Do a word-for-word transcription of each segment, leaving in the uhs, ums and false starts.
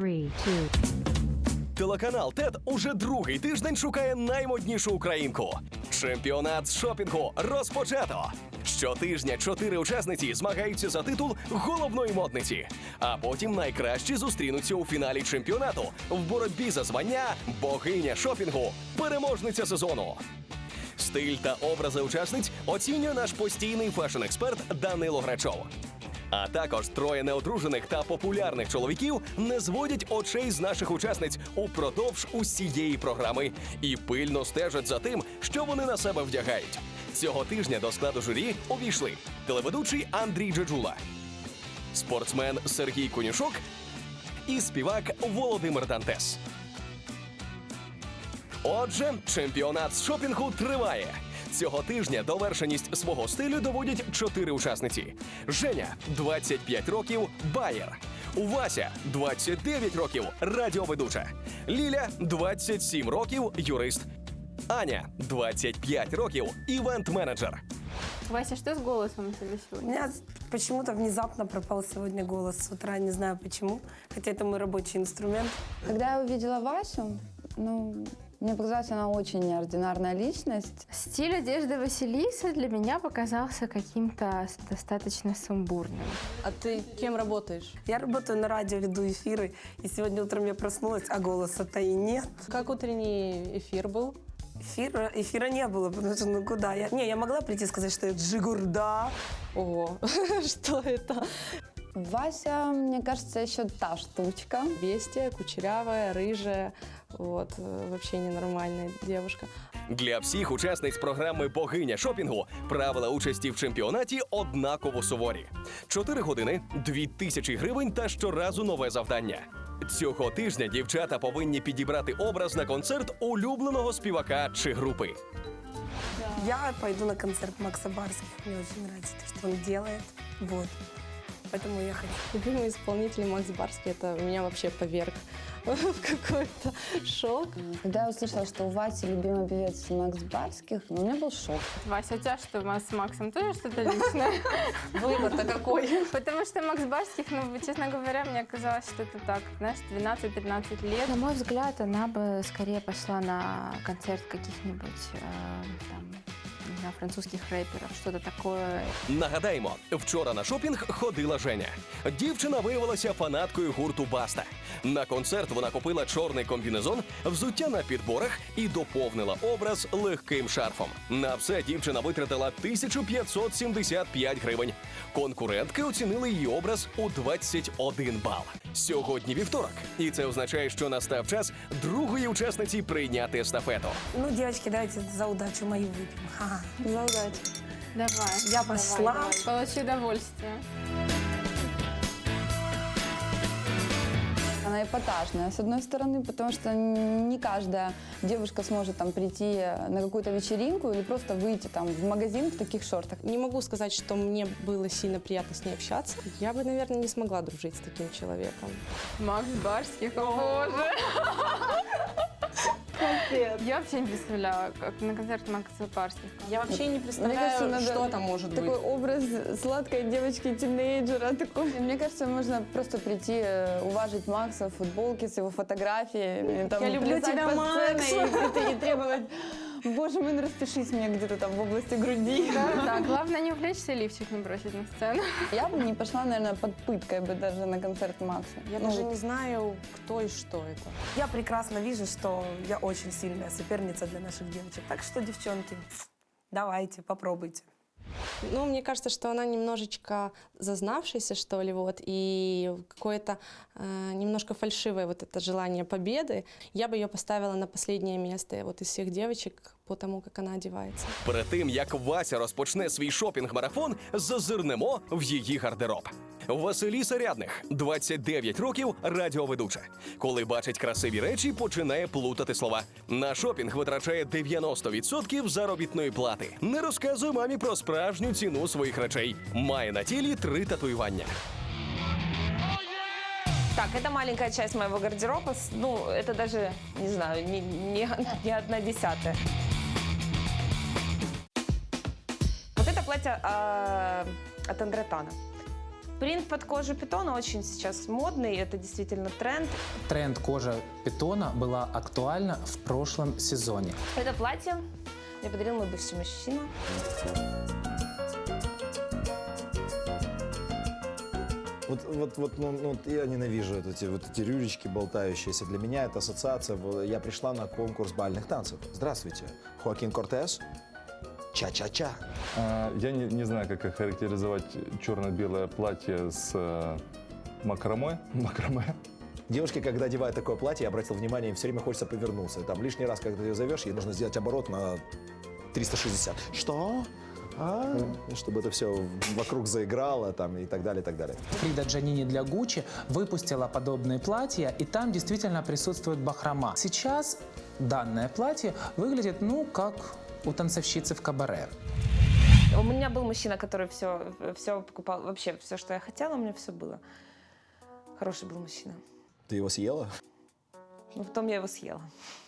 Three, two. Телеканал ТЕТ уже другий тиждень шукає наймоднішу українку. Чемпіонат з шопінгу розпочато. Щотижня чотири учасниці змагаються за титул головної модниці. А потім найкращі зустрінуться у фіналі чемпіонату в боротьбі за звання «Богиня шопінгу», переможниця сезону. Стиль та образи учасниць оцінює наш постійний фешн-експерт Данило Грачов. А також троє неодружених та популярних чоловіків не зводять очей з наших учасниць упродовж усієї програми і пильно стежать за тим, що вони на себе вдягають. Цього тижня до складу журі увійшли телеведучий Андрій Джеджула, спортсмен Сергій Конюшок і співак Володимир Дантес. Отже, чемпіонат з шопінгу триває. Цього тижня довершеність свого стилю доводять чотири учасниці. Женя – двадцять п'ять років, байер. Вася – двадцять дев'ять років, радіоведуча. Ліля – двадцять сім років, юрист. Аня – двадцять п'ять років, івент-менеджер. Вася, что с голосом у тебя У сегодня? меня почему-то внезапно пропал сегодня голос с утра, не знаю почему, хотя это мой рабочий инструмент. Когда я увидела Васю, ну, мне показалась она очень неординарная личность. Стиль одежды Василисы для меня показался каким-то достаточно сумбурным. А ты кем работаешь? Я работаю на радио, веду эфиры, и сегодня утром я проснулась, а голоса-то и нет. Как утренний эфир был? Эфира, эфира не было, потому что ну куда я... Не, я могла прийти и сказать, что я Джигурда. Ого, что это? Вася, мне кажется, еще та штучка. Бестия, кучерявая, рыжая, вот, э, вообще ненормальная девушка. Для всіх учасниць програми «Богиня шопінгу» правила участі в чемпіонаті однаково суворі. Чотири години, дві тисячі гривень та щоразу нове завдання. Цього тижня дівчата повинні підібрати образ на концерт улюбленого співака чи групи. Я пойду на концерт Макса Барских, мне очень нравится то, что он делает, вот. Поэтому я хочу. Любимый исполнитель Макс Барский, это меня вообще поверг в какой-то шок. Когда я услышала, что у Васи любимый певец Макс Барских, ну, у меня был шок. Вася, у тебя что, с Максом тоже что-то личное? Выбор-то какой? Потому что Макс Барских, ну, честно говоря, мне казалось, что это так, знаешь, двенадцать-тринадцать лет. На мой взгляд, она бы скорее пошла на концерт каких-нибудь, э, там, не знаю, французских рэперов, что-то такое. Нагадаємо, вчора на шопінг ходила Женя. Дівчина виявилася фанаткою гурту «Баста». На концерт вона купила чорний комбінезон, взуття на підборах і доповнила образ легким шарфом. На все дівчина витратила тисячу п'ятсот сімдесят п'ять гривень. Конкурентки оцінили її образ у двадцять один бал. Сьогодні вівторок, і це означає, що настав час другої учасниці прийняти естафету. Ну, девочки, давайте за удачу мою выпьем. Ха-ха. За удачу. Давай. Я пошла. Давай, давай. Получи удовольствие. Она эпатажная, с одной стороны, потому что не каждая девушка сможет там прийти на какую-то вечеринку или просто выйти там в магазин в таких шортах. Не могу сказать, что мне было сильно приятно с ней общаться. Я бы, наверное, не смогла дружить с таким человеком. Макс Барских, о боже. Я вообще не представляла, как на концерт Макса Барских. Я вообще не Мне представляю, кажется, надо что там может такой быть. образ сладкой девочки-тинейджера. Такой. Мне кажется, можно просто прийти, э, уважить Макса в футболке с его фотографиями. Там, Я люблю плясать тебя, по Макс! сцене И, и требовать: боже мой, ну распишись мне где-то там в области груди. Да, да, главное не увлечься и лифчик не бросить на сцену. Я бы не пошла, наверное, под пыткой бы даже на концерт Макса. Я Ну, даже не знаю, кто и что это. Я прекрасно вижу, что я очень сильная соперница для наших девочек. Так что, девчонки, давайте, попробуйте. Ну, мне кажется, что она немножечко зазнавшаяся, что ли, вот, и какое-то э, немножко фальшивое вот это желание победы. Я бы ее поставила на последнее место вот из всех девочек по тому, как она одевается. Перед тим, як Вася розпочне свій шопінг-марафон, зазирнемо в її гардероб. Василіса Рядних, двадцять дев'ять років, радіоведуча. Коли бачить красиві речі, починає плутати слова. На шопінг витрачає дев'яносто відсотків заробітної плати. Не розказує мамі про справжню ціну своїх речей. Має на тілі три татуювання. Так, это маленькая часть моего гардероба. Ну, это даже, не знаю, не, не, не одна десятая. Вот это платье э, от Андре Тана. Принт под кожу питона очень сейчас модный, это действительно тренд. Тренд кожа питона была актуальна в прошлом сезоне. Это платье мне подарил мой бывший мужчина. Вот, вот, вот, ну, ну, я ненавижу вот эти, вот эти рюрички болтающиеся. Для меня это ассоциация. Я пришла на конкурс бальных танцев. Здравствуйте, Хоакин Кортес. Ча-ча-ча. А, я не, не знаю, как охарактеризовать черно-белое платье с э, макраме. макраме. Девушки, когда одевают такое платье, я обратил внимание, им все время хочется повернуться. Там лишний раз, когда ты ее зовешь, ей нужно сделать оборот на триста шестьдесят. Что? А? Чтобы это все вокруг заиграло там, и так далее, и так далее. Фрида Джанини для Гуччи выпустила подобные платья, и там действительно присутствует бахрома. Сейчас данное платье выглядит, ну, как у танцовщицы в кабаре. У меня был мужчина, который все, все покупал, вообще все, что я хотела, у меня все было. Хороший был мужчина. Ты его съела? Но потом я его съела.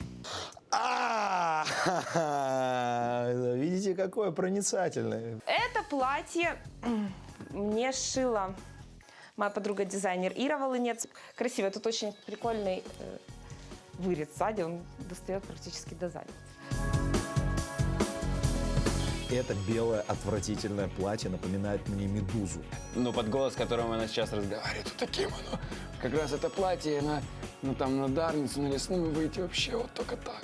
А, видите, какое проницательное. Это платье мне сшила моя подруга-дизайнер Ира Волынец. Красиво, тут очень прикольный э, вырез сзади, он достает практически до задницы. Это белое отвратительное платье напоминает мне медузу. Ну, под голос, которым она сейчас разговаривает, вот таким оно. Как раз это платье, на, ну, там, на Дарницу, на Лесную выйти вообще вот только так.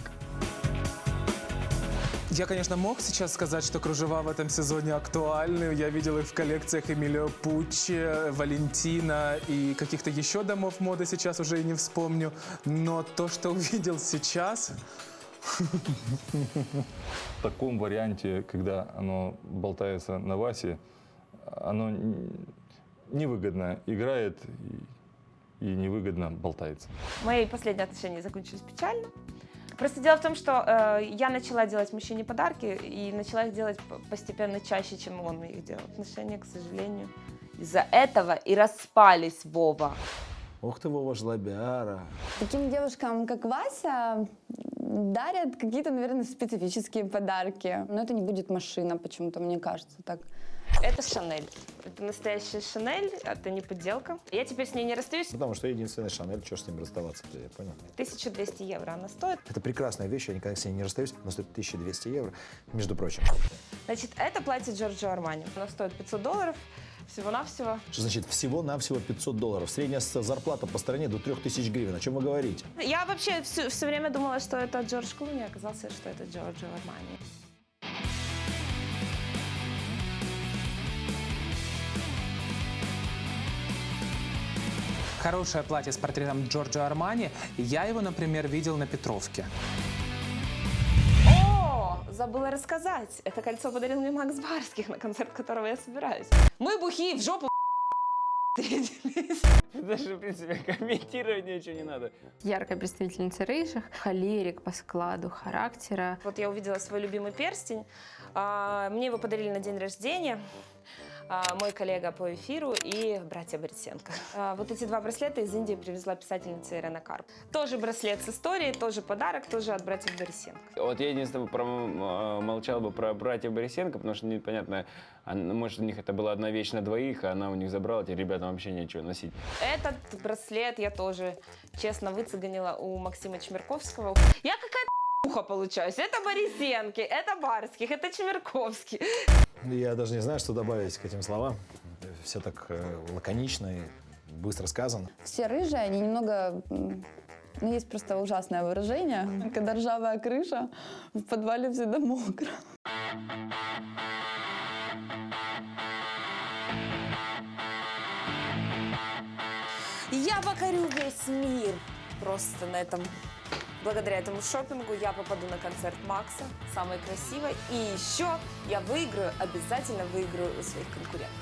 Я, конечно, мог сейчас сказать, что кружева в этом сезоне актуальны. Я видел их в коллекциях Эмилио Пуччи, Валентина и каких-то еще домов моды, сейчас уже и не вспомню. Но то, что увидел сейчас... В таком варианте, когда оно болтается на Васе, оно невыгодно играет и невыгодно болтается. Мои последние отношения закончились печально. Просто дело в том, что э, я начала делать мужчине подарки и начала их делать постепенно чаще, чем он их делал. Отношения, к сожалению, из-за этого и распались, Вова. Ух ты, Вова, жлобяра. Таким девушкам, как Вася, дарят какие-то, наверное, специфические подарки. Но это не будет машина, почему-то, мне кажется, так. Это Шанель. Это настоящая Шанель, это не подделка. Я теперь с ней не расстаюсь. Потому что единственный Шанель, что с ним расставаться-то, я понял. тысяча двести евро она стоит. Это прекрасная вещь, я никогда с ней не расстаюсь, но стоит тысяча двести евро, между прочим. Значит, это платье Джорджио Армани. Оно стоит пятьсот долларов. Всего-навсего. Что значит всего-навсего пятьсот долларов? Средняя зарплата по стране до трёх тысяч гривен. О чем вы говорите? Я вообще все, все время думала, что это Джордж Клуни, оказалось, что это Джорджио Армани. Хорошее платье с портретом Джорджио Армани. Я его, например, видел на Петровке. О, забыла рассказать. Это кольцо подарил мне Макс Барских, на концерт которого я собираюсь. Мы бухие в жопу встретились. Даже, в принципе, комментировать ничего не надо. Яркая представительница рыжих, холерик по складу характера. Вот я увидела свой любимый перстень. А, Мне его подарили на день рождения. А, Мой коллега по эфиру и братья Борисенко. А, Вот эти два браслета из Индии привезла писательница Ирена Карп. Тоже браслет с историей, тоже подарок, тоже от братьев Борисенко. Вот я единственное промолчал бы про братьев Борисенко, потому что непонятно, а, может, у них это была одна вещь на двоих, а она у них забрала, теперь ребятам вообще нечего носить. Этот браслет я тоже честно выцеганила у Максима Чмерковского. Я какая-то уха получаюсь. Это Борисенки, это Барских, это Чмерковский. Я даже не знаю, что добавить к этим словам. Все так э, лаконично и быстро сказано. Все рыжие, они немного... м, Ну, есть просто ужасное выражение, когда ржавая крыша, в подвале всегда мокро. Я покорю весь мир. Просто на этом, благодаря этому шопингу я попаду на концерт Макса, самой красивой. И еще я выиграю, обязательно выиграю у своих конкурентов.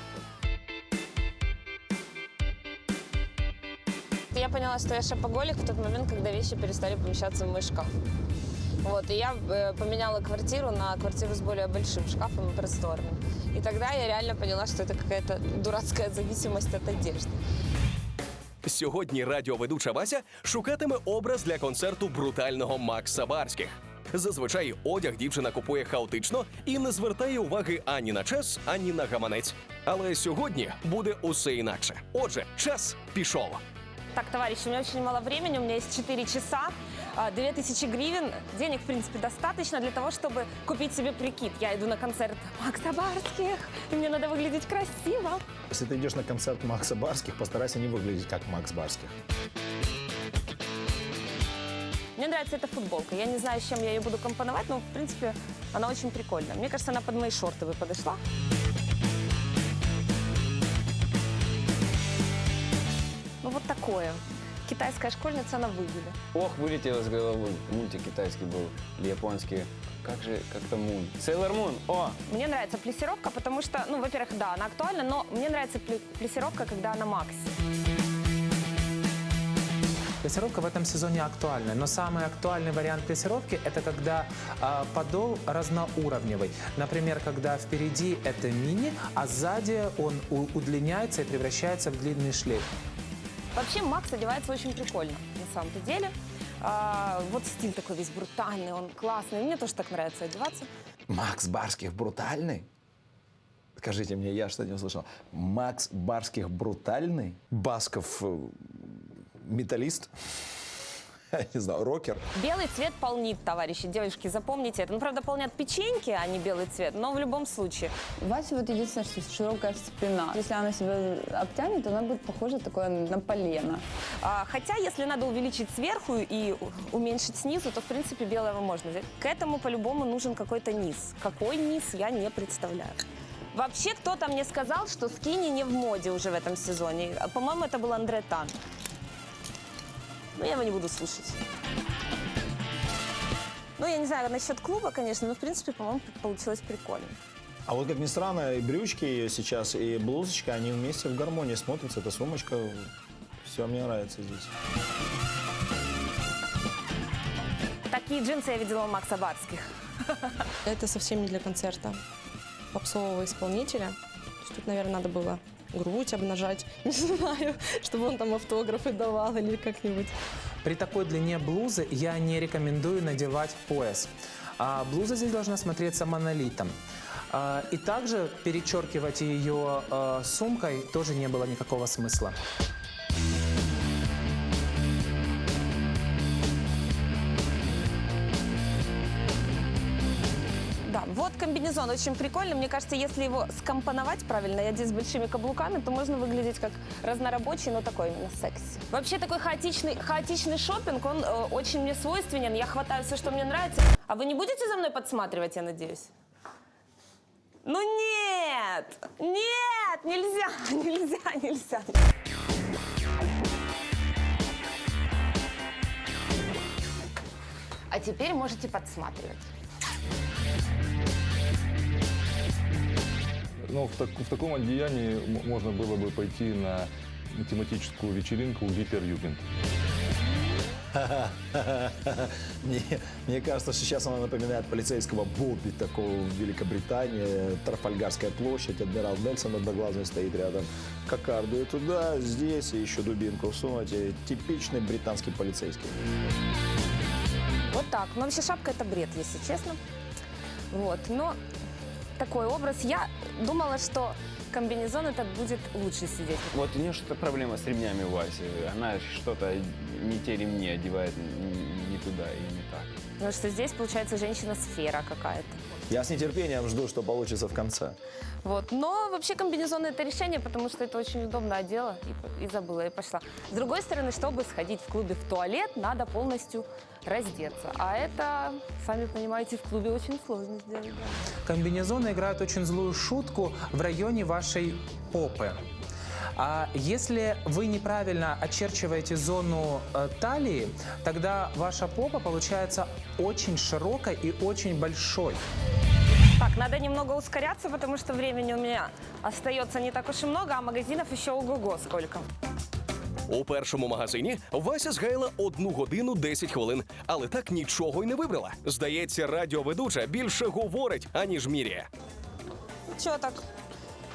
Я поняла, что я шопоголик в тот момент, когда вещи перестали помещаться в мой шкаф. Вот, и я э, поменяла квартиру на квартиру с более большим шкафом и просторным. И тогда я реально поняла, что это какая-то дурацкая зависимость от одежды. Сьогодні радіоведуча Вася шукатиме образ для концерту брутального Макса Барських. Зазвичай одяг дівчина купує хаотично і не звертає уваги ані на час, ані на гаманець. Але сьогодні буде усе інакше. Отже, час пішов. Так, товарищи, у меня очень мало времени, у меня есть четыре часа, а, две тысячи гривен. Денег, в принципе, достаточно для того, чтобы купить себе прикид. Я иду на концерт Макса Барских, и мне надо выглядеть красиво. Если ты идешь на концерт Макса Барских, постарайся не выглядеть как Макс Барских. Мне нравится эта футболка. Я не знаю, с чем я ее буду компоновать, но, в принципе, она очень прикольная. Мне кажется, она под мои шорты бы подошла. Ну, вот такое. Китайская школьница на выгуле. Ох, вылетел из головы. Мультик китайский был, или японский. Как же, как-то Мун. Сейлор Мун, о! Мне нравится плессировка, потому что, ну, во-первых, да, она актуальна, но мне нравится пле- плессировка, когда она макси. Плессировка в этом сезоне актуальна, но самый актуальный вариант плессировки – это когда а, подол разноуровневый. Например, когда впереди это мини, а сзади он у- удлиняется и превращается в длинный шлейф. Вообще Макс одевается очень прикольно, на самом-то деле. А, вот стиль такой весь брутальный, он классный. Мне тоже так нравится одеваться. Макс Барских брутальный? Скажите мне, я что не услышал. Макс Барских брутальный? Басков э, металлист? Я не знаю, рокер? Белый цвет полнит, товарищи, девушки, запомните это. Ну, правда, полнят печеньки, а не белый цвет, но в любом случае. У Васи вот единственное, что широкая спина. Если она себя обтянет, то она будет похожа такое на полено. А, хотя, если надо увеличить сверху и у- уменьшить снизу, то, в принципе, белого можно взять. К этому, по-любому, нужен какой-то низ. Какой низ, я не представляю. Вообще, кто-то мне сказал, что скини не в моде уже в этом сезоне. А, По-моему, это был Андре Тан. Но я его не буду слушать. Ну, я не знаю насчет клуба, конечно, но, в принципе, по-моему, получилось прикольно. А вот, как ни странно, и брючки ее сейчас, и блузочка, они вместе в гармонии смотрятся. Эта сумочка, все мне нравится здесь. Такие джинсы я видела у Макса Барских. Это совсем не для концерта попсового исполнителя. То есть тут, наверное, надо было грудь обнажать, не знаю, чтобы он там автографы давал или как-нибудь. При такой длине блузы я не рекомендую надевать пояс. А блуза здесь должна смотреться монолитом. А, и также перечеркивать ее а, сумкой тоже не было никакого смысла. Да, вот комбинезон очень прикольный. Мне кажется, если его скомпоновать правильно и одеть с большими каблуками, то можно выглядеть как разнорабочий, но такой именно секси. Вообще такой хаотичный, хаотичный шопинг, он э, очень мне свойственен. Я хватаю все, что мне нравится. А вы не будете за мной подсматривать, я надеюсь? Ну нет! Нет! Нельзя! Нельзя! Нельзя! А теперь можете подсматривать. Но в, так- в таком одеянии м- можно было бы пойти на тематическую вечеринку Гитлер-Югенд. Мне, мне кажется, что сейчас она напоминает полицейского Бобби, такого в Великобритании. Трафальгарская площадь, адмирал Нельсон одноглазый стоит рядом. Кокарду и туда, здесь, и еще дубинку всунуть. И типичный британский полицейский. Вот так. Но вообще шапка это бред, если честно. Вот. Но такой образ. Я думала, что комбинезон этот будет лучше сидеть. Вот у нее что-то проблема с ремнями у Васи. Она что-то не те ремни одевает, не, не туда и не так. Потому что здесь получается женщина-сфера какая-то. Я с нетерпением жду, что получится в конце. Вот. Но вообще комбинезон это решение, потому что это очень удобно одела и, и забыла, и пошла. С другой стороны, чтобы сходить в клубе в туалет, надо полностью раздеться. А это, сами понимаете, в клубе очень сложно сделать. Да. Комбинезоны играют очень злую шутку в районе вашей попы. А если вы неправильно очерчиваете зону э, талии, тогда ваша попа получается очень широкой и очень большой. Так, надо немного ускоряться, потому что времени у меня остается не так уж и много, а магазинов еще ого-го сколько. У першому магазині Вася згаяла одну годину десять хвилин, але так нічого й не вибрала. Здається, радіоведуча більше говорить, аніж міряє. Чё так?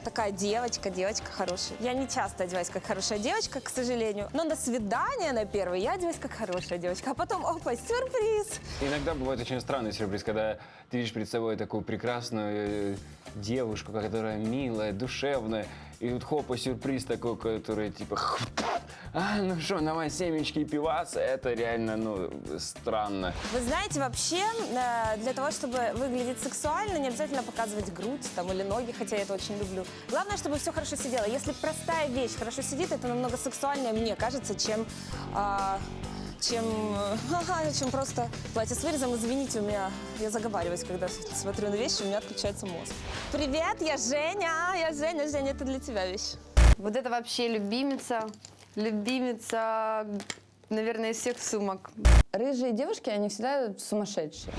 такая девочка, девочка хорошая. Я не часто одеваюсь как хорошая девочка, к сожалению. Но на свидание на первый я одеваюсь как хорошая девочка. А потом, опа, сюрприз. Иногда бывает очень странный сюрприз, когда ты видишь перед собой такую прекрасную э, девушку, которая милая, душевная, и тут хопа, сюрприз такой, который типа... А, ну что, давай семечки и пиваса, это реально, ну, странно. Вы знаете, вообще, э, для того, чтобы выглядеть сексуально, не обязательно показывать грудь там, или ноги, хотя я это очень люблю. Главное, чтобы все хорошо сидело. Если простая вещь хорошо сидит, это намного сексуальнее, мне кажется, чем... Э, чем, ага, чем просто платье с вырезом. Извините, у меня, я заговариваюсь, когда смотрю на вещи, у меня отключается мозг. Привет, я Женя, я Женя, Женя, это для тебя вещь. Вот это вообще любимица, любимица, наверное, из всех сумок. Рыжие девушки, они всегда сумасшедшие.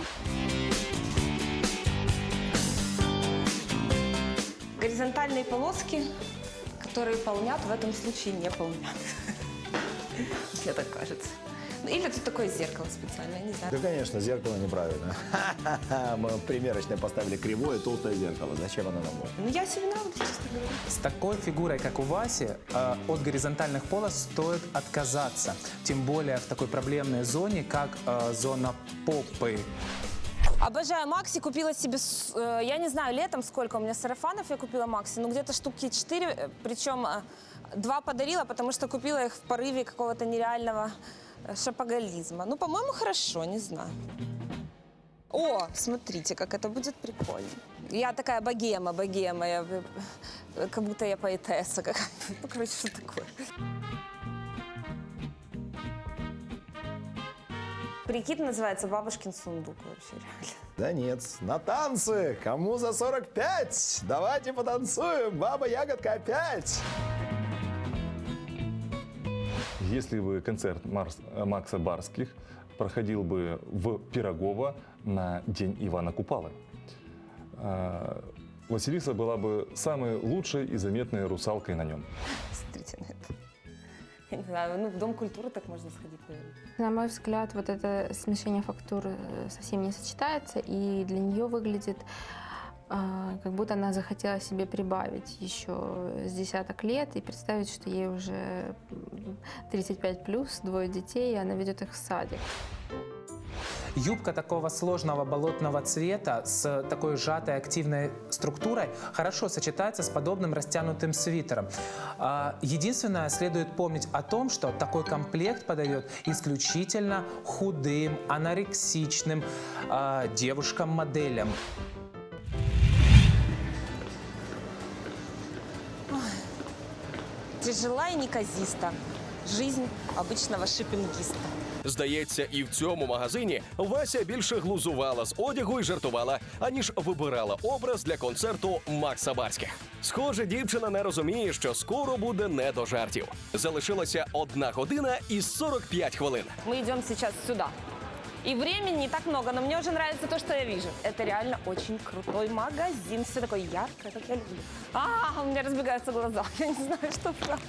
Горизонтальные полоски, которые полнят, в этом случае не полнят. Мне так кажется. Или тут такое зеркало специальное, не знаю. Да, конечно, зеркало неправильно. Мы примерочно поставили кривое, толстое зеркало. Зачем оно нам нужно? Ну, я себе нравлюсь, честно говоря. С такой фигурой, как у Васи, э, от горизонтальных полос стоит отказаться. Тем более в такой проблемной зоне, как э, зона попы. Обожаю Макси, купила себе, э, я не знаю, летом сколько у меня сарафанов я купила Макси, ну где-то штуки четыре, причем э, два подарила, потому что купила их в порыве какого-то нереального э, шопоголизма. Ну, по-моему, хорошо, не знаю. О, смотрите, как это будет прикольно. Я такая богема, богема, я, э, как будто я поэтесса какая-то. Ну, короче, что такое. Прикид называется «Бабушкин сундук» вообще реально. Да нет, на танцы! Кому за сорок пять? Давайте потанцуем! Баба Ягодка опять! Если бы концерт Марс, Макса Барских проходил бы в Пирогово на День Ивана Купалы, Василиса была бы самой лучшей и заметной русалкой на нем. Смотрите на это. Я не знаю, ну в Дом культуры так можно сходить, наверное. На мой взгляд, вот это смешение фактур совсем не сочетается, и для нее выглядит, э, как будто она захотела себе прибавить еще с десяток лет и представить, что ей уже тридцать пять плюс, двое детей, и она ведет их в садик. Юбка такого сложного болотного цвета с такой сжатой активной структурой хорошо сочетается с подобным растянутым свитером. Единственное, следует помнить о том, что такой комплект подойдет исключительно худым, анорексичным девушкам-моделям. Тяжела и неказиста. Жизнь обычного шипінгіста. Здається, і в цьому магазині Вася більше глузувала з одягу і жартувала, аніж вибирала образ для концерту Макса Барських. Схоже, дівчина не розуміє, що скоро буде не до жартів. Залишилася одна година і сорок п'ять хвилин. Мы идем сейчас сюда. И времени не так много, но мне уже нравится то, что я вижу. Это реально очень крутой магазин. Все такое яркое, как я люблю. А, у меня разбегаются глаза. Я не знаю, что брать.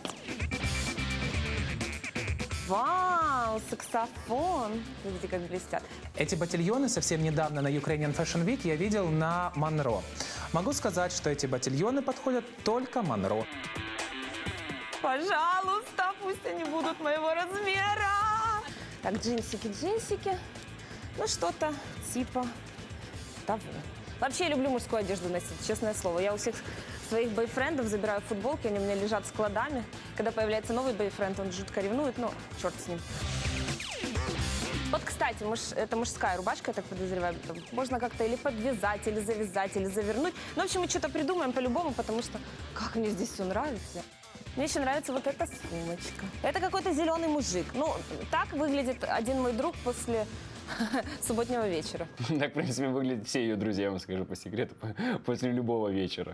Вау, саксофон. Видите, как блестят. Эти ботильоны совсем недавно на Ukrainian Fashion Week я видел на Монро. Могу сказать, что эти ботильоны подходят только Монро. Пожалуйста, пусть они будут моего размера. Так, джинсики, джинсики. Ну, что-то типа того. Вообще, я люблю мужскую одежду носить, честное слово. Я у всех своих бойфрендов забираю футболки, они у меня лежат складами. Когда появляется новый бойфренд, он жутко ревнует, но черт с ним. Вот, кстати, муж, это мужская рубашка, я так подозреваю. Там можно как-то или подвязать, или завязать, или завернуть. Ну, в общем, мы что-то придумаем по-любому, потому что как мне здесь все нравится. Мне еще нравится вот эта сумочка. Это какой-то зеленый мужик. Ну, так выглядит один мой друг после субботнего вечера. Так, в принципе, выглядят все ее друзья, я вам скажу по секрету, после любого вечера.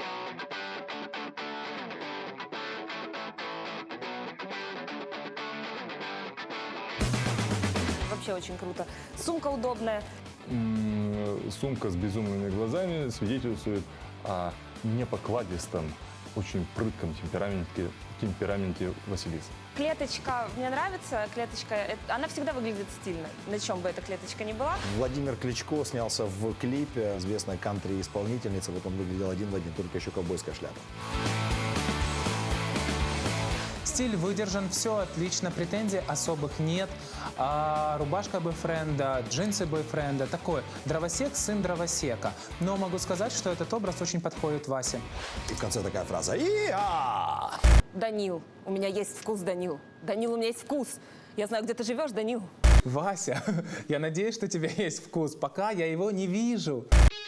Вообще очень круто. Сумка удобная. Сумка с безумными глазами свидетельствует о непокладистом очень прытком темпераменте, темпераменте Василисы. Клеточка мне нравится. Клеточка, это- она всегда выглядит стильно, на чем бы эта клеточка ни была. Владимир Кличко снялся в клипе, известная кантри-исполнительница, вот он выглядел один в один, только еще ковбойская шляпа. Стиль выдержан, все отлично, претензий особых нет. А рубашка бойфренда, джинсы бойфренда, такой дровосек, сын дровосека. Но могу сказать, что этот образ очень подходит Васе. И в конце такая фраза «И-а!». Данил, у меня есть вкус, Данил. Данил, у меня есть вкус. Я знаю, где ты живешь, Данил. Вася, я надеюсь, что у тебя есть вкус, пока я его не вижу.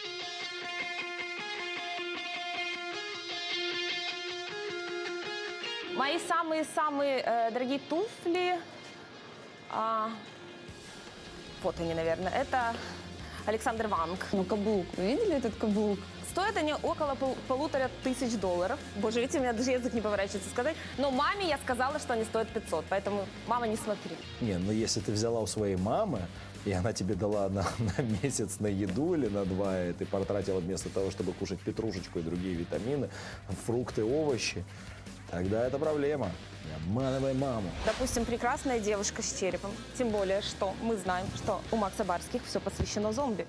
Мои самые-самые э, дорогие туфли, а, вот они, наверное, это Александр Ванг. Ну, каблук. Вы видели этот каблук? Стоят они около пол- полутора тысяч долларов. Боже, видите, у меня даже язык не поворачивается сказать. Но маме я сказала, что они стоят пятьсот, поэтому, мама, не смотри. Не, ну если ты взяла у своей мамы, и она тебе дала на, на месяц на еду или на два, и ты потратила вместо того, чтобы кушать петрушечку и другие витамины, фрукты, овощи, тогда это проблема. Не обманывай маму. Допустим, прекрасная девушка с черепом. Тем более, что мы знаем, что у Макса Барских все посвящено зомби.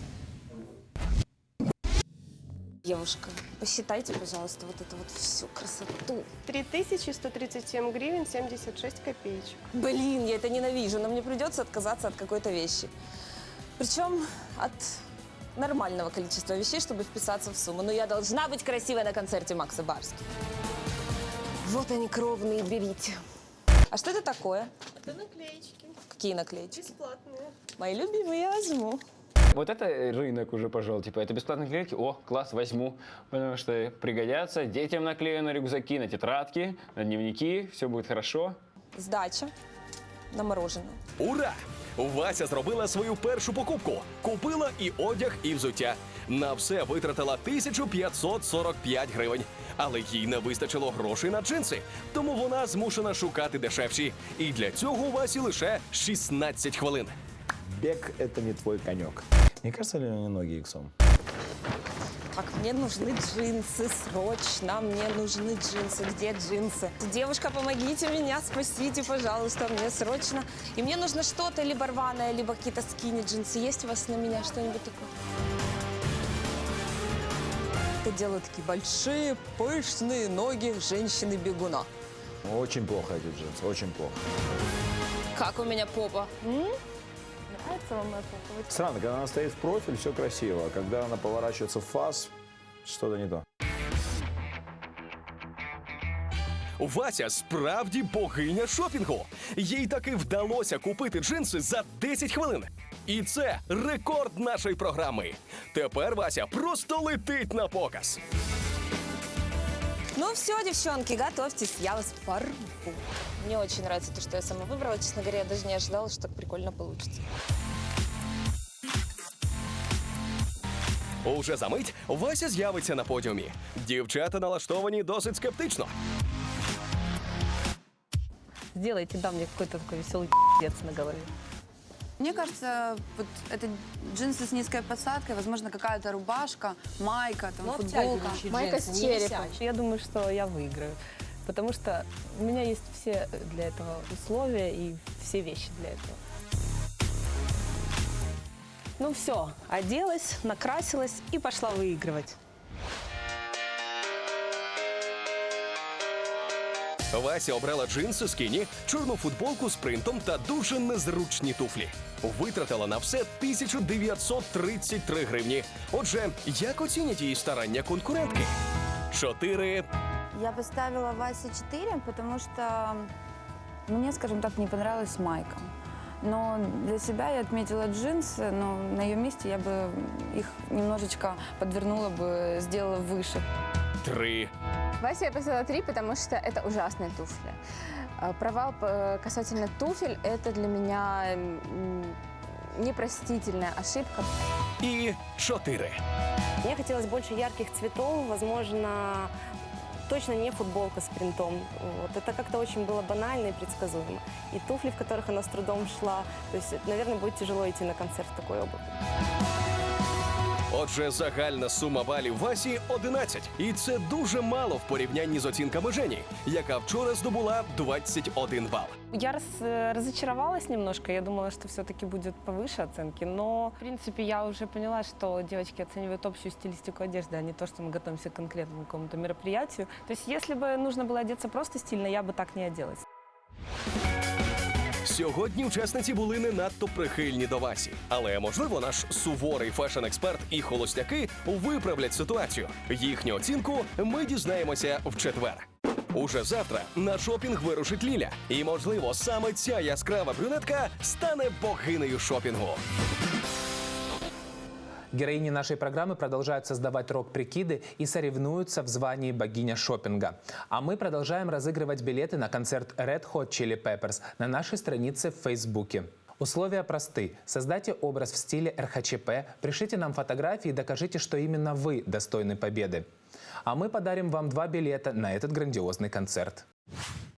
Девушка, посчитайте, пожалуйста, вот эту вот всю красоту. три тысячи сто тридцать семь гривен семьдесят шесть копеечек. Блин, я это ненавижу, но мне придется отказаться от какой-то вещи. Причем от нормального количества вещей, чтобы вписаться в сумму. Но я должна быть красивой на концерте Макса Барских. Вот они, кровные, берите. А что это такое? Это наклеечки. Какие наклеечки? Бесплатные. Мои любимые, я возьму. Вот это рынок уже пошел. Типа, это бесплатные клетки. О, класс, возьму. Потому что пригодятся. Детям наклею на рюкзаки, на тетрадки, на дневники. Все будет хорошо. Здача на мороженое. Ура! Вася зробила свою першу покупку. Купила і одяг, і взуття. На все витратила тисячу п'ятсот сорок п'ять гривень. Але їй не вистачило грошей на джинси, тому вона змушена шукати дешевші. І для цього у Васі лише шістнадцять хвилин. Бег – это не твой конек. Не кажется ли мне ноги иксом? Так, мне нужны джинсы, срочно, мне нужны джинсы. Где джинсы? Девушка, помогите меня, спасите, пожалуйста, мне срочно. И мне нужно что-то либо рваное, либо какие-то скини-джинсы. Есть у вас на меня что-нибудь такое? Это делают такие большие, пышные ноги женщины-бегуна. Очень плохо эти джинсы, очень плохо. Как у меня попа? М? Нравится вам моя попа? Странно, когда она стоит в профиль, все красиво, а когда она поворачивается в фас, что-то не то. Вася справді богиня шопінгу. Їй таки вдалося купити джинси за десять хвилин. І це рекорд нашої програми. Тепер Вася просто летить на показ. Ну все, девчонки, готовьтесь, я вас порву. Мне очень нравится то, что я сама выбрала. Честно говоря, я даже не ожидала, что так прикольно получится. Уже за мить Вася з'явиться на подіумі. Дівчата налаштовані досить скептично. Сделайте, да, мне какой-то такой веселый пи***ец на голове. Мне кажется, вот это джинсы с низкой посадкой, возможно, какая-то рубашка, майка, там, футболка. Майка с черепом. Я думаю, что я выиграю. Потому что у меня есть все для этого условия и все вещи для этого. Ну все, оделась, накрасилась и пошла выигрывать. Вася обрала джинси скіні, чорну футболку з принтом та дуже незручні туфлі. Витратила на все тисячу дев'ятсот тридцять три гривні. Отже, як оцінять її старання конкурентки? Чотири. Я поставила Васе четыре, потому что мне, скажем так, не понравилась майка. Но для себя я отметила джинсы, но на ее месте я бы их немножечко подвернула бы, сделала выше. Три. Васе я поставила три, потому что это ужасные туфли. А, Провал э, касательно туфель – это для меня м, непростительная ошибка. І чотири. Мне хотелось больше ярких цветов, возможно, точно не футболка с принтом. Вот. Это как-то очень было банально и предсказуемо. И туфли, в которых она с трудом шла. То есть, наверное, будет тяжело идти на концерт в такой обуви. Отже, загальна сума балів Васі – одинадцять. І це дуже мало в порівнянні з оцінками Жені, яка вчора здобула двадцять один бал. Я раз, разочаровалась немножко, я думала, что все-таки будет повыше оценки, но, в принципе, я уже поняла, что девочки оценивают общую стилистику одежды, а не то, что мы готовимся к конкретному какому-то мероприятию. То есть, если бы нужно было одеться просто стильно, я бы так не оделась. Сьогодні учасниці були не надто прихильні до Васі. Але, можливо, наш суворий фешн-експерт і холостяки виправлять ситуацію. Їхню оцінку ми дізнаємося в четвер. Уже завтра на шопінг вирушить Ліля. І, можливо, саме ця яскрава брюнетка стане богинею шопінгу. Героини нашей программы продолжают создавать рок-прикиды и соревнуются в звании богиня шопинга. А мы продолжаем разыгрывать билеты на концерт Red Hot Chili Peppers на нашей странице в Фейсбуке. Условия просты. Создайте образ в стиле эр ха че пэ, пришлите нам фотографии и докажите, что именно вы достойны победы. А мы подарим вам два билета на этот грандиозный концерт.